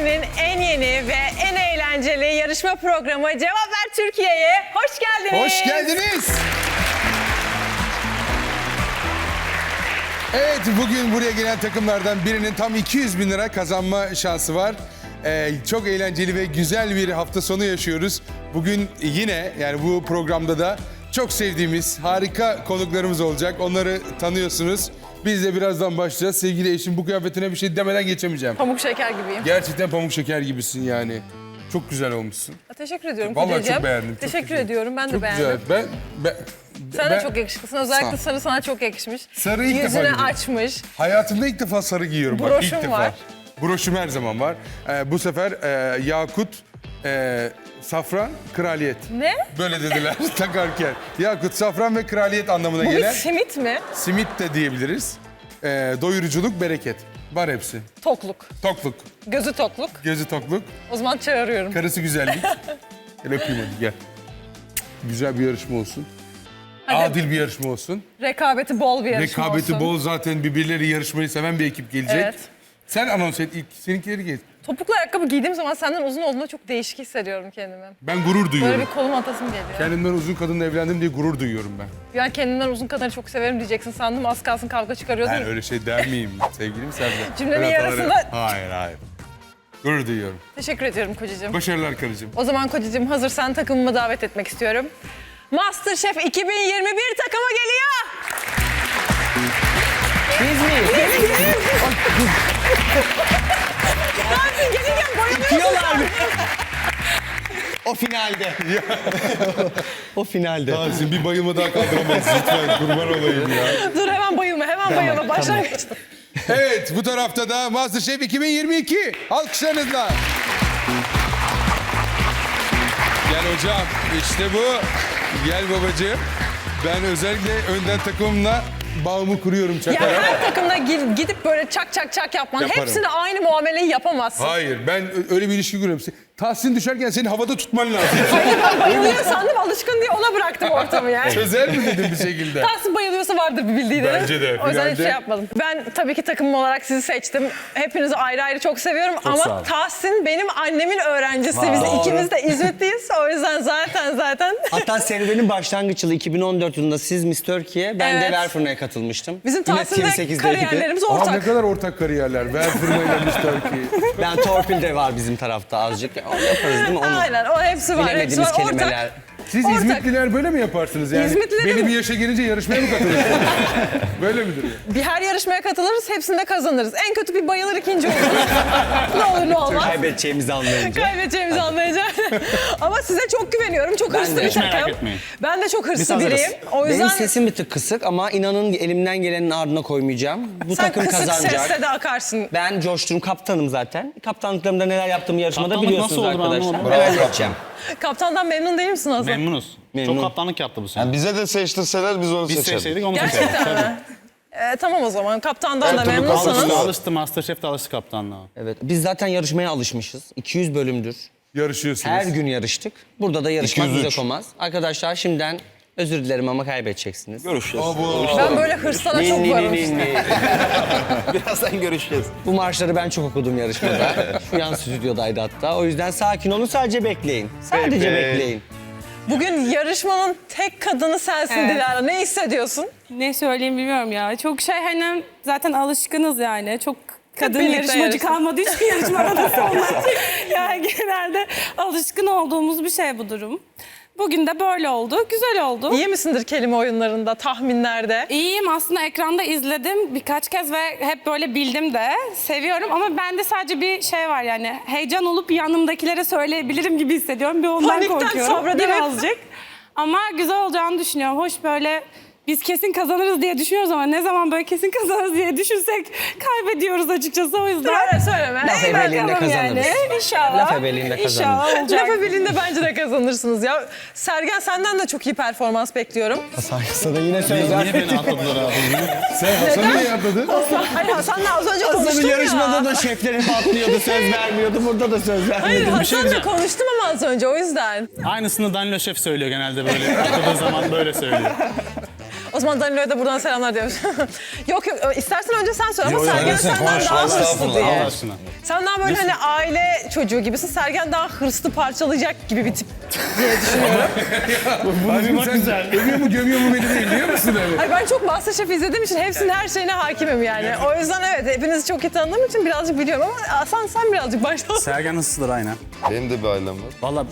Türkiye'nin en yeni ve en eğlenceli yarışma programı Cevap Ver Türkiye'ye hoş geldiniz. Hoş geldiniz. Evet, bugün buraya gelen takımlardan birinin tam 200 bin lira kazanma şansı var. Çok eğlenceli ve güzel bir hafta sonu yaşıyoruz. Bugün yine, yani bu programda da çok sevdiğimiz harika konuklarımız olacak. Onları tanıyorsunuz. Biz de birazdan başlayacağız. Sevgili eşim, bu kıyafetine bir şey demeden geçemeyeceğim. Pamuk şeker gibiyim. Gerçekten pamuk şeker gibisin yani. Çok güzel olmuşsun. Teşekkür ediyorum Vallahi kocacığım. çok beğendim. Teşekkür ediyorum. Ben de Çok beğendim. güzel. Sen de ben- çok yakışıklısın. Özellikle sarı sana çok yakışmış. Sarı ilk defa Yüzünü görüyorum. açmış. Hayatımda ilk defa sarı giyiyorum. Bak, Broşum ilk defa. var. Broşum her zaman var. Bu sefer yakut, safran, kraliyet. Ne? Böyle dediler takarken. Yakut, safran ve kraliyet anlamına Bu bir gelen simit mi? simit de diyebiliriz. Doyuruculuk, bereket. Var hepsi. Tokluk. Tokluk, Gözü tokluk. gözü tokluk, O zaman çağırıyorum. karısı güzellik. Gel öpeyim hadi gel. Güzel bir yarışma olsun. Hadi. Adil bir yarışma olsun. Rekabeti bol bir yarışma Rekabeti olsun. bol, zaten birbirleri yarışmayı seven bir ekip gelecek. Evet. Sen anons et ilk, seninkileri geç. Topuklu ayakkabı giydiğim zaman senden uzun olduğunda çok değişik hissediyorum kendimi. Ben gurur duyuyorum. Böyle bir kolum atasım geliyor. Kendimden uzun kadınla evlendim diye gurur duyuyorum ben. Yani kendimden uzun kadını çok severim diyeceksin sandım. Az kalsın kavga çıkarıyordun. Ben öyle şey der miyim sevgilim Sercan? Cümlenin Ben hataları- yarısında- Hayır. Gurur duyuyorum. Teşekkür ediyorum kocacığım. Başarılar karıcığım. O zaman kocacığım hazırsan takımımı davet etmek istiyorum. MasterChef 2021 takımı geliyor. Biz miyiz? Gelsin gelirken bayılıyorsun. Diyorlar mı? O finalde. O finalde. Tahsin bir bayılma daha kaldıramayız lütfen, kurban olayım ya. Dur hemen bayılma. Başlangıçta. Evet, bu tarafta da MasterChef 2022. Alkışlarınızla. Gel hocam, işte bu. Gel babacığım. Ben özellikle önden takımımla bağımı kuruyorum Ya çakarak. her takımda gidip böyle çak yapman. Yaparım. Hepsine aynı muameleyi yapamazsın. Hayır, ben öyle bir ilişki kuruyorum. Tahsin düşerken seni havada tutman lazım. Hayır ben bayılıyor sandım alışkın diye ona bıraktım ortamı yani. Çözer mi dedim bir şekilde? Tahsin bayılıyorsa vardır bir bildiği de. Bence de, O yüzden hiç finalde- şey yapmadım. Ben tabii ki takımım olarak sizi seçtim. Hepinizi ayrı ayrı çok seviyorum. sağ Ama ol. Tahsin benim annemin öğrencisi. Biz Doğru. ikimiz de İzmitliyiz. O yüzden zaten. Hatta serüvenin başlangıç yılı 2014 yılında siz Miss Türkiye, ben Evet. de Verfırna'ya katılmıştım. Bizim Yine Tahsin'le TV8'deydi. kariyerlerimiz Aa, ne ortak. kadar ortak kariyerler. Ver fırmayla Mr. Key. Ben torpil de var bizim tarafta azıcık. Onu yaparız değil mi? Onu. Aynen o hepsi var. Hepsi Bilemediğimiz var. kelimeler. Ortak. Siz Ortak. İzmitliler böyle mi yaparsınız yani? İzmitliler Belli mi? bir yaşa gelince yarışmaya mı katılırsınız? Böyle midir? Bir her yarışmaya katılırız, hepsinde kazanırız. En kötü bir bayılır, ikinci oluruz. Ne olur ne olmaz. Kaybedeceğimizi anlayınca. Kaybedeceğimizi anlayacağım. Ama size çok güveniyorum. Çok hırslı de. bir Hiç takım. merak etmeyin. Ben de çok hırslı Biz hazırız. biriyim. O yüzden Benim sesim bir tık kısık ama inanın elimden gelenin ardına koymayacağım. Bu sen takım kısık kazanacak. sesle de akarsın. Ben coştum, kaptanım zaten. Kaptanlıklarımda neler yaptığımı yarışmada Kaptanlık biliyorsunuz nasıl olur arkadaşlar. anlamadım. Ben halledeceğim. Kaptandan memnun değil misin Hazal? Memnunuz. Memnun. Çok kaptanlık yaptı bu sene. Yani bize de seçtirseler biz onu Biz seçeriz. seçseydik onu Gerçekten seçerdik. mi? Tamam o zaman. Kaptandan da Her türlü memnunsanız. kalmışlar. Alıştı, Masterchef de alıştı kaptanlığa. Evet, biz zaten yarışmaya alışmışız. 200 bölümdür. Yarışıyorsunuz. Her gün yarıştık. Burada da yarışmak 203. uzak olmaz. Arkadaşlar şimdiden özür dilerim ama kaybedeceksiniz. Görüşeceğiz. Ben böyle hırslara çok varım işte. Birazdan görüşeceğiz. Bu marşları ben çok okudum yarışmada. Şu yan stüdyodaydı hatta. O yüzden sakin olun, sadece bekleyin. Sadece Peki. bekleyin. Bugün yarışmanın tek kadını sensin Evet. Dilara. Ne hissediyorsun? Ne söyleyeyim bilmiyorum ya. Çok hani zaten alışkınız yani. Çok kadın birlikte yarışmacı yarıştık. kalmadı hiçbir yarışmada da sonra. Yani genelde alışkın olduğumuz bir şey bu durum. Bugün de böyle oldu. Güzel oldu. İyi misindir kelime oyunlarında, tahminlerde? İyiyim aslında ekranda izledim birkaç kez ve hep böyle bildim de. Seviyorum ama bende sadece bir şey var yani. Heyecan olup yanımdakilere söyleyebilirim gibi hissediyorum. Bir ondan Panikten korkuyorum sabredemem. birazcık. Ama güzel olacağını düşünüyorum. Hoş böyle biz kesin kazanırız diye düşünüyoruz ama ne zaman böyle kesin kazanırız diye düşünsek kaybediyoruz açıkçası o yüzden. Öyle söyleme. Laf İyi ebeliğinde bakalım kazanırız. İnşallah. Laf ebeliğinde İnşallah kazanırız. olacak. Laf birliğinde bence de kazanırsınız ya. Sergen senden de çok iyi performans bekliyorum. Sana yine söz Niye beni atladılar abi? Sen Hasan'ı niye atladın? Hayır Hasan'la az önce Aslında konuştum bir yarışmada ya. da şeflerim patlıyordu, söz vermiyordu. Burada da söz Hayır vermedi. şey Hasan'la diyeceğim. konuştum ama az önce o yüzden. Aynısını Danilo Şef söylüyor genelde böyle. Atladığı zaman böyle söylüyor. O zaman Danilo'ya da buradan selamlar diyormuş. Yok istersen önce sen söyle ama Sergen senden daha hırslı diye. Allah aşkına. Sen daha böyle hani aile çocuğu gibisin. Sergen daha hırslı parçalayacak gibi bir tip diye düşünüyorum. Bunu güzel. Övüyor mu gömüyor mu beni değil biliyor musun öyle? Hayır, ben çok MasterChef izlediğim için hepsinin her şeyine hakimim yani. O yüzden evet hepinizi çok iyi tanıdığım için birazcık biliyorum ama sen birazcık başla. Sergen hırsızdır aynen. Benim de bir ailem var. Vallahi...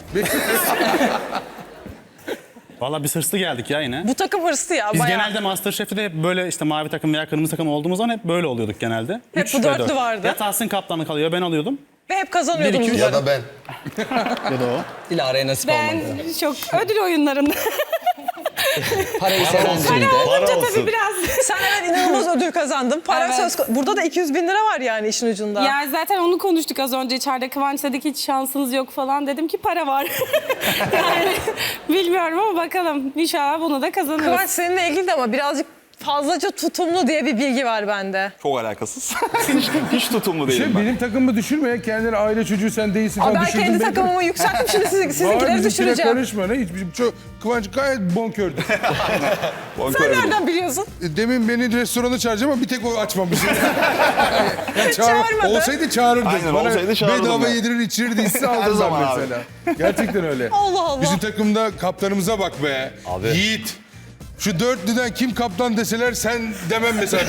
Vallahi biz hırslı geldik ya yine. Bu takım hırslı ya Biz bayağı. genelde MasterChef'te de hep böyle işte mavi takım veya kırmızı takım olduğumuz zaman hep böyle oluyorduk genelde. Hep Üç bu ve dörtlü dört. vardı. Ya Tahsin kaptanlık kalıyor ben alıyordum. Ve hep kazanıyordunuz. Bir, iki, Ya da ben. Ya da o. Dilara'ya nasip Ben olmadı. çok ödül oyunlarında. Parayı seven biriydi. Olunca tabii biraz. Sen evet inanılmaz ödül kazandın. Para Evet. Burada da 200 bin lira var yani işin ucunda. Ya zaten onu konuştuk az önce içeride. Kıvanç dedi ki hiç şansınız yok falan. Dedim ki para var. Yani bilmiyorum ama bakalım. İnşallah bunu da kazanırız. Kıvanç seninle ilgili de ama birazcık fazlaca tutumlu diye bir bilgi var bende. Çok alakasız. hiç tutumlu değilim ben. Benim takımımı düşürme. Kendileri aile çocuğu sen değilsin falan Ben düşürdün kendi beni. takımımı yükselttim şimdi sizinkileri Bizimkine düşüreceğim. karışma. Ne? Hiç, çok, Kıvanç gayet bonkördü. Sen nereden biliyorsun? Demin beni restorana çağıracağım ama bir tek o açmamış. Yani Çağırmadı. Olsaydı çağırırdı. Aynen, Bana olsaydı çağırırdım bedava ya. yedirir içirirdi hisse Her aldım ben zaman abi. mesela. Gerçekten öyle. Allah Allah. Bizim takımda kaptanımıza bak be. Abi. Yiğit. Şu dörtlüden kim kaptan deseler sen demem mesela.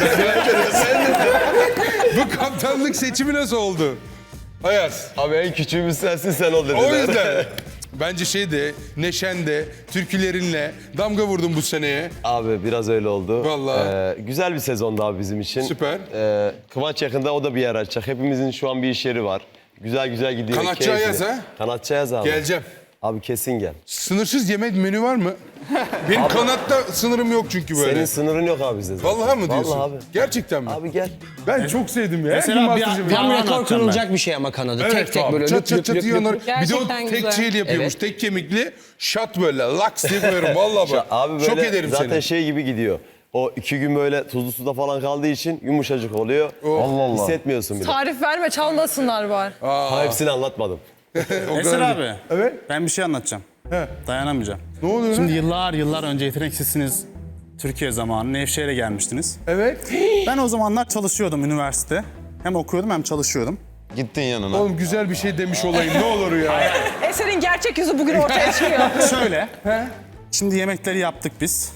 Bu kaptanlık seçimi nasıl oldu? Ayaz. Abi en küçüğümüz sensin sen ol dediler. O yüzden. Bence şeyde, neşende, türkülerinle damga vurdun bu seneye. Abi biraz öyle oldu. Vallahi. Güzel bir sezondu abi bizim için. Süper. Kıvanç yakında o da bir yer açacak. Hepimizin şu an bir iş yeri var. Güzel güzel gidiyor. Kanatçı keyifli. Ayaz ha? Kanatçı Ayaz abi. Geleceğim. Abi kesin gel. Sınırsız yemek menü var mı? Benim kanatta sınırım yok çünkü böyle. Senin sınırın yok abi bizde. zaten. Vallahi mı diyorsun? Vallahi abi. Gerçekten mi? Abi gel. Ben çok sevdim ya. Mesela Kim bir- Masterchef'i- bir- Tam rekor anlatacağım kırılacak bir şey ama kanadı. Evet, tek tek abi. böyle çat lüp çat lüp çat lüp yiyorlar. lüp. Bir de o Gerçekten tek güzel. şeyli yapıyormuş. Evet. Tek kemikli şat böyle laks diye koyarım. Vallahi bak. Abi böyle Şok ederim zaten seni. şey gibi gidiyor. O 2 gün böyle tuzlu suda falan kaldığı için yumuşacık oluyor. Allah Allah. Hissetmiyorsun bile. Tarif verme çalmasınlar var. Ha, hepsini anlatmadım. O Eser kadar abi. değil. Evet. Ben bir şey anlatacağım. He. Dayanamayacağım. Ne oluyor Şimdi lan? yıllar önce Yeteneksizsiniz Türkiye zamanı Nevşehir'e gelmiştiniz. Evet. Ben o zamanlar çalışıyordum üniversite. Hem okuyordum hem çalışıyordum. Gittin yanına. Oğlum güzel bir şey demiş olayım. Ne olur ya. Eser'in gerçek yüzü bugün ortaya çıkıyor. Şöyle. Şimdi yemekleri yaptık biz.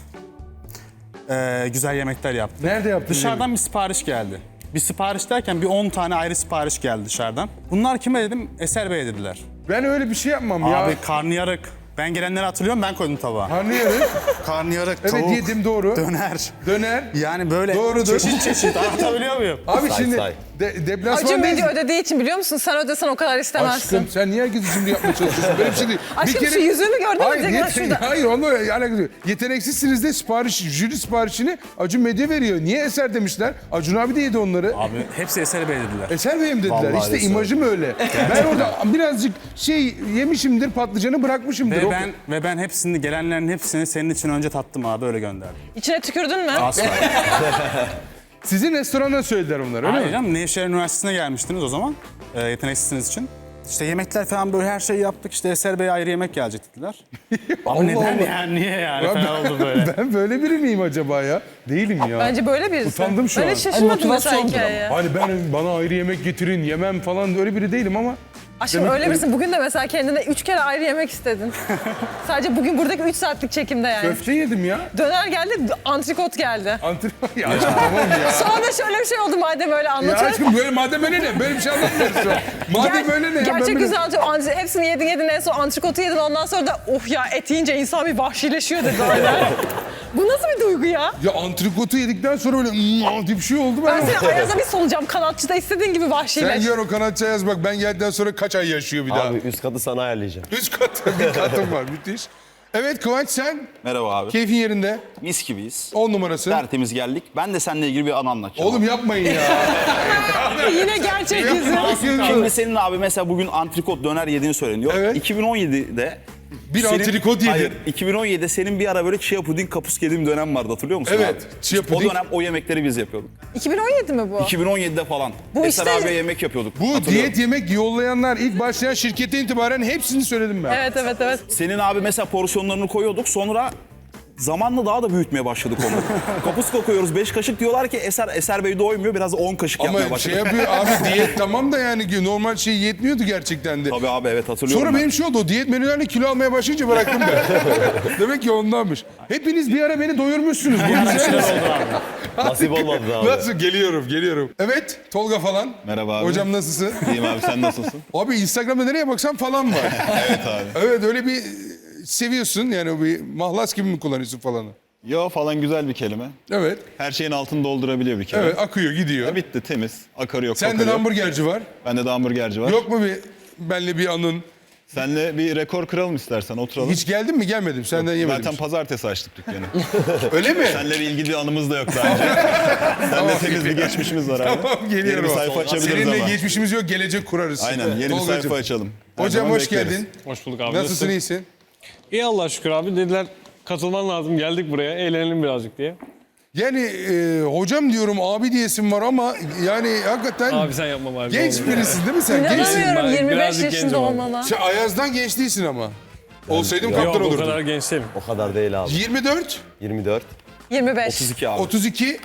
Güzel yemekler yaptık. Nerede yaptın? Dışarıdan bir sipariş geldi. Bir sipariş derken bir 10 tane ayrı sipariş geldi dışarıdan. Bunlar kime dedim? Eser Bey'e dediler. Ben öyle bir şey yapmam ya. Abi karnıyarık. Ben gelenleri hatırlıyorum ben koydum tabağa. Anlıyorum. Karnıyarık, Evet tavuk, yedim doğru. döner. Döner. Yani böyle Doğrudur. çeşit çeşit anlatabiliyor muyum? Abi Say, şimdi say. Acun deplasmandayız. Medya ödediği için biliyor musun? Sen ödesen o kadar istemezsin. Aşkım sen niye herkesi şimdi yapmaya çalışıyorsun? Böyle bir şey değil. Aşkım, şu yüzüğümü gördün mü? Hayır, Tekrar şurada. hayır onunla alakası yok. Yeteneksizsiniz de jüri siparişini Acun Medya veriyor. Niye Eser demişler? Acun abi de yedi onları. Abi hepsi Eser Bey dediler. Eser Bey'im dediler. Vallahi işte Eser. imajım öyle. Ben orada birazcık şey yemişimdir, patlıcanı bırakmışımdır. Ve ben hepsini gelenlerin hepsini senin için önce tattım abi öyle gönderdim. İçine tükürdün mü? Asla. Sizin restoranda söylediler onları öyle Hayır mi? canım Nevşehir Üniversitesi'ne gelmiştiniz o zaman. Yeteneksizsiniz için. İşte yemekler falan böyle her şeyi yaptık. İşte Eser Bey'e ayrı yemek gelecek dediler. Ama neden Allah. yani? Niye yani? Ya Falan oldu böyle. Ben böyle biri miyim acaba ya? Değilim ya. Bence böyle birisi. Utandım şu ben an. hiç şaşırmadım mesela motivasyondur hikayeye. Hani bana ayrı yemek getirin, yemem falan öyle biri değilim ama Aşkım Demek öyle ki- birisin. Bugün de mesela kendine 3 kere ayrı yemek istedin. Sadece bugün buradaki 3 saatlik çekimde yani. köfte yedim ya. Döner geldi, antrikot geldi. Antrenman ya aşkım tamam ya. Sonra da şöyle bir şey oldu madem öyle Ya anlatıyoruz. aşkım böyle madem öyle ne? Böyle bir şey anlatmıyoruz şu an. Madem öyle ne? ya? Ben Gerçek böyle- güzel anlatıyor. Hepsini yedin en son antrikotu yedin. Ondan sonra da oh ya et yiyince insan bir vahşileşiyor dedi öyle. Bu nasıl bir duygu ya? Ya antrikotu yedikten sonra böyle diye bir şey oldu Ben ben. seni Ayaz'a bir solacağım. Kanatçıda istediğin gibi Sen vahşileş. gör o kanatçı yaz bak ben geldikten sonra kaç ay yaşıyor bir daha. Abi üst katı sana ayarlayacağım. Üst kat, bir katım var müthiş. Evet Kıvanç sen Merhaba abi. keyfin yerinde. Mis gibiyiz. 10 numarası. Tertemiz geldik. Ben de seninle ilgili bir anı anlatacağım. Oğlum yapmayın ya. Yine gerçek yüzü. Şimdi senin abi mesela bugün antrikot döner yediğini söyleniyor. Evet. 2017'de Bir antrikot yedin. Hayır, 2017'de senin bir ara böyle chia puding kapus yediğim dönem vardı hatırlıyor musun Evet, abi? chia İşte puding. O dönem o yemekleri biz yapıyorduk. 2017 mi bu? 2017'de falan. Bu Eser işte- abiye yemek yapıyorduk. Bu hatırlıyorum. diyet yemek yollayanlar ilk başlayan şirkete itibaren hepsini söyledim ben. Evet. Senin abi mesela porsiyonlarını koyuyorduk sonra Zamanla daha da büyütmeye başladık onu. Kapuska koyuyoruz 5 kaşık diyorlar ki Eser Bey doymuyor biraz 10 kaşık yapmaya Ama başladık. şey yapıyor abi diyet tamam da yani normal şey yetmiyordu gerçekten de. Tabii abi evet hatırlıyorum. Sonra ben. benim şey oldu, o diyet menülerle kilo almaya başlayınca bıraktım ben. Demek ki ondanmış. Hepiniz bir ara beni doyurmuşsunuz. Bu güzel. Nasip olmadı abi. Nasıl? Geliyorum. Evet, Tolga falan. Merhaba abi. Hocam nasılsın? İyiyim abi, sen nasılsın? Abi Instagram'da nereye baksan falan var. Evet abi. Evet, öyle bir seviyorsun yani, bir mahlas gibi mi kullanıyorsun falanı? Yo falan güzel bir kelime. Evet, Her şeyin altını doldurabiliyor bir kere. evet akıyor gidiyor. Bitti, temiz. Akarı yok, Sende kokarı de yok. hamburgerci var. Bende de hamburgerci var. Yok mu bir benle bir anın? Seninle bir rekor kıralım istersen, oturalım. Hiç geldin mi? Gelmedim. Senden yemedim. Zaten pazartesi açtık dükkanı. Öyle mi? Seninle bir ilgili bir anımız da yok daha önce. Seninle temiz bir geçmişimiz var abi. Tamam, geliyorum. Yeni bir sayfa açabiliriz Seninle ama. geçmişimiz yok, gelecek kurarız. Aynen, yeni bir Tolgacığım. sayfa açalım. Her Hocam zaman hoş bekleriz. geldin. Hoş bulduk abi. Nasılsın, iyisin? İyi Allah'a şükür abi. Dediler katılman lazım. Geldik buraya. Eğlenelim birazcık diye. Yani hocam diyorum, abi diyesim var ama yani hakikaten Abi sen yapma bari. genç ne olur. birisin değil mi sen? Gençsin. İnanamıyorum Ben 25 birazcık yaşında gencim abi. olmana. Sen Ayaz'dan genç değilsin ama. Olsaydım Yok kaptan o olurdum. kadar genç değilim. O kadar değil abi. 24, 24, 25. 32 abi. 32,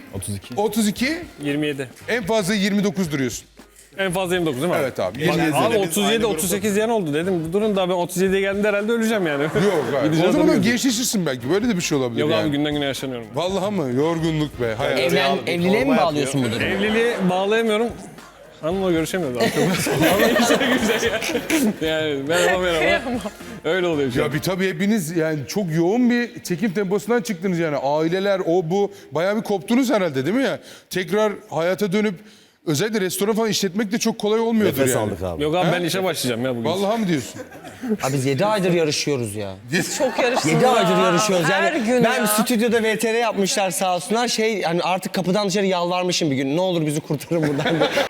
32, 27. en fazla 29 duruyorsun. En fazla 29 değil mi abi? Evet abi. Bak, 27. abi 37, 38 diyen oldu dedim. Durun daha ben 37'ye geldiğimde herhalde öleceğim yani. Yok abi. Gideceğiz O zaman alıyoruz. gençleşirsin belki. Böyle de bir şey olabilir Yok yani. abi günden güne yaşlanıyorum. Vallahi mı? Yorgunluk be. Hayat. Evliliğe mi bağlıyorsun bu durumu? Evliliği bağlayamıyorum. Hanımla görüşemiyoruz abi. Ama güzel yani merhaba. Öyle oluyor şu an. Ya bir tabii hepiniz yani çok yoğun bir çekim temposundan çıktınız yani. Aileler, o bu. Bayağı bir koptunuz herhalde değil mi ya? Tekrar hayata dönüp özellikle restoran falan işletmek de çok kolay olmuyordur nefes yani. aldık abi. Yok abi ben işe başlayacağım ya bugün. Vallahi mı diyorsun? Abi biz 7 aydır yarışıyoruz ya. Çok yarıştınız. 7 aydır ha. yarışıyoruz yani. Her gün Ben ya. stüdyoda VTR yapmışlar sağ olsunlar. Hani artık kapıdan dışarı yalvarmışım bir gün. Ne olur bizi kurtarın buradan.